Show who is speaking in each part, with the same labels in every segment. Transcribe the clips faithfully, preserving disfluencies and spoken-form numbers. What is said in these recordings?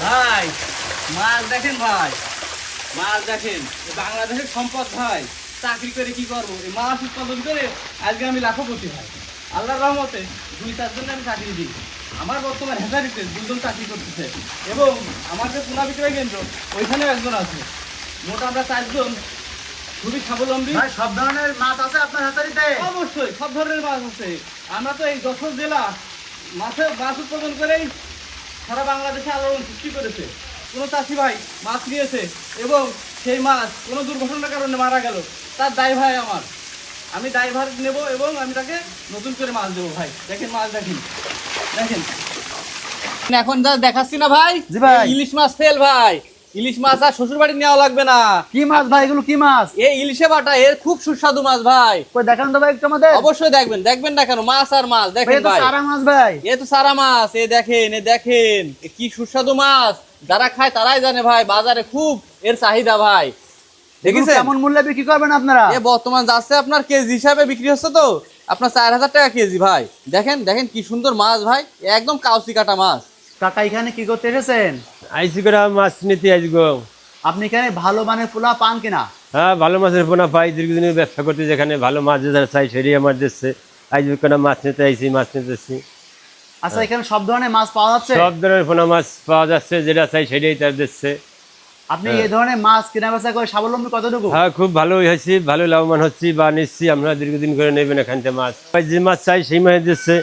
Speaker 1: ভাই মাছ দেখেন ভাই, মাছ দেখেন, বাংলাদেশের সম্পদ ভাই। চাকরি করে কি করবো, এই মাছ উৎপাদন করে আজকে আমি লাখপতি ভাই। আল্লাহর রহমতে দুই চারজনে আমি চাকরি দিই। আমার বর্তমান হেসারিতে দুজন চাকরি করতেছে এবং আমার যে পোনা বিক্রয় কেন্দ্র ওইখানেও একজন আছে। মোট আমরা চারজন খুবই স্বাবলম্বী।
Speaker 2: ভাই সব ধরনের মাছ আছে আপনার হ্যাচারিতে?
Speaker 1: অবশ্যই সব ধরনের মাছ আছে। আমরা তো এই যশোর জেলা মাছের মাছ উৎপাদন করেই সারা বাংলাদেশে আলোড়ন সৃষ্টি করেছে। কোনো চাষি ভাই মাছ নিয়েছে এবং সেই মাছ কোনো দুর্ঘটনার কারণে মারা গেল, তার দায় ভাই আমার। আমি দায়ভার নেব এবং আমি তাকে নতুন করে মাছ দেবো ভাই। দেখেন মাছ দেখেন, দেখেন এখন যা দেখাচ্ছি না ভাই,
Speaker 2: জি ভাই।
Speaker 1: ইলিশ মাছ তেল ভাই। ইলিশ মাছ আর শ্বশুর বাড়ি নেওয়া লাগবে না।
Speaker 2: কি মাছ ভাই এগুলো, কি মাছ?
Speaker 1: এই ইলিশে বাটা এর খুব সুস্বাদু মাছ ভাই।
Speaker 2: কই দেখান তো ভাই একটু আমাদের।
Speaker 1: অবশ্যই দেখবেন, দেখবেন না কেন, মাছ আর মাছ দেখেন ভাই।
Speaker 2: সারা মাছ ভাই,
Speaker 1: এ তো সারা মাছ। এ দেখেন, এ দেখেন এ কি সুস্বাদু মাছ। যারা খায় তারাই জানে ভাই, বাজারে খুব এর চাহিদা ভাই। দেখেছেন
Speaker 2: কেমন মূল্যে বিক্রি করবেন আপনারা?
Speaker 1: এ বর্তমান যাচ্ছে আপনার কেজি হিসাবে বিক্রি হচ্ছে তো আপনার চার হাজার টাকা কেজি ভাই। দেখেন দেখেন কি সুন্দর মাছ ভাই, একদম কাউসি কাটা মাছ।
Speaker 2: কাকা এখানে কি করতে এসেছেন?
Speaker 3: আইসি করে মাছ নিতে আসবো।
Speaker 2: আপনি এখানে ভালো মানের পোলা পান কিনা?
Speaker 3: হ্যাঁ, ভালো মাছের পোনা পাই। দীর্ঘদিনের ব্যবসা করতে যেখানে ভালো মাছ যারা চাই সেটাই আমার দিচ্ছে। আইসি করে মাছ নিতে আইসি, মাছ নিতেছি।
Speaker 2: আচ্ছা এখানে সব ধরনের মাছ পাওয়া যাচ্ছে?
Speaker 3: সব ধরনের পোনা মাছ পাওয়া যাচ্ছে, যেটা চাই সেটাই তার দিচ্ছে।
Speaker 2: আপনি এই ধরনের মাছ কেনা বেচা করে স্বাবলম্বী কতটুকু?
Speaker 3: হ্যাঁ, খুব ভালোই হয়েছি, ভালো লাভবান হচ্ছি বা নিচ্ছি। আমরা দীর্ঘদিন করে নেবেন এখান থেকে মাছ, যে মাছ চাই সেই মাছ দিচ্ছে।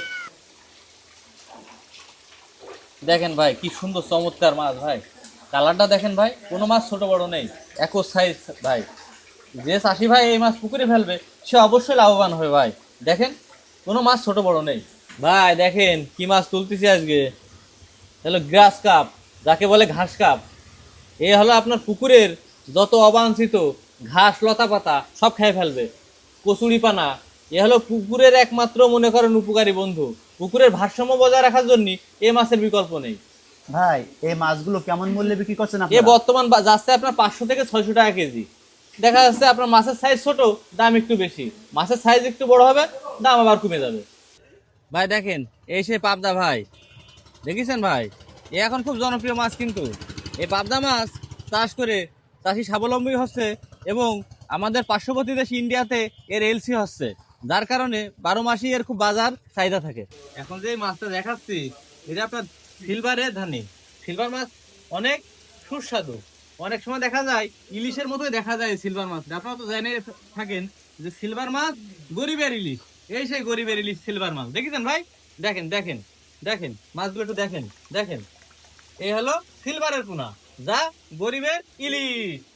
Speaker 1: দেখেন ভাই কি সুন্দর চমৎকার মাছ ভাই। কালারটা দেখেন ভাই, কোনো মাছ ছোট বড় নেই, একই সাইজ ভাই। যে চাষি ভাই এই মাছ পুকুরে ফেলবে সে অবশ্যই লাভবান হবে ভাই। দেখেন কোনো মাছ ছোট বড় নেই ভাই। দেখেন কি মাছ তুলতেছি আজকে, হলো গ্রাস কাপ, যাকে বলে ঘাস কাপ। এ হলো আপনার পুকুরের যত অবাঞ্ছিত ঘাস লতা পাতা সব খেয়ে ফেলবে, কচুরি পানা। এ হলো পুকুরের একমাত্র মনে করেন উপকারী বন্ধু। পুকুরের ভারসাম্য বজায় রাখার জন্য এ মাছের বিকল্প নেই
Speaker 2: ভাই। এই মাছগুলো কেমন মূল্যে বিক্রি করছেন
Speaker 1: এ
Speaker 2: আপনারা?
Speaker 1: বর্তমান বা- যাচ্ছে আপনার পাঁচশো থেকে ছয়শো টাকা কেজি। দেখা যাচ্ছে আপনার মাছের সাইজ ছোট, দাম একটু বেশি। মাছের সাইজ একটু বড় হবে, দাম আবার কমে যাবে ভাই। দেখেন এই সেই পাবদা ভাই, দেখেছেন ভাই, এ এখন খুব জনপ্রিয় মাছ। কিন্তু এই পাবদা মাছ চাষ করে চাষি স্বাবলম্বী হচ্ছে এবং আমাদের পার্শ্ববর্তী দেশ ইন্ডিয়াতে এর এলসি হচ্ছে, যার কারণে বারো মাসই এর খুব বাজার চাহিদা থাকে। এখন যে মাছটা দেখাচ্ছি এটা আপনার সিলভারে ধানি। সিলভার মাছ অনেক সুস্বাদু। অনেক সময় দেখা যায় ইলিশের মতোই দেখা যায় সিলভার মাছ। আপনারা তো জেনে থাকেন যে সিলভার মাছ গরিবের ইলিশ। এই সেই গরিবের ইলিশ সিলভার মাছ। দেখেছেন ভাই, দেখেন দেখেন দেখেন মাছগুলো একটু দেখেন, দেখেন এই হলো সিলভারের পোনা, যা গরিবের ইলিশ।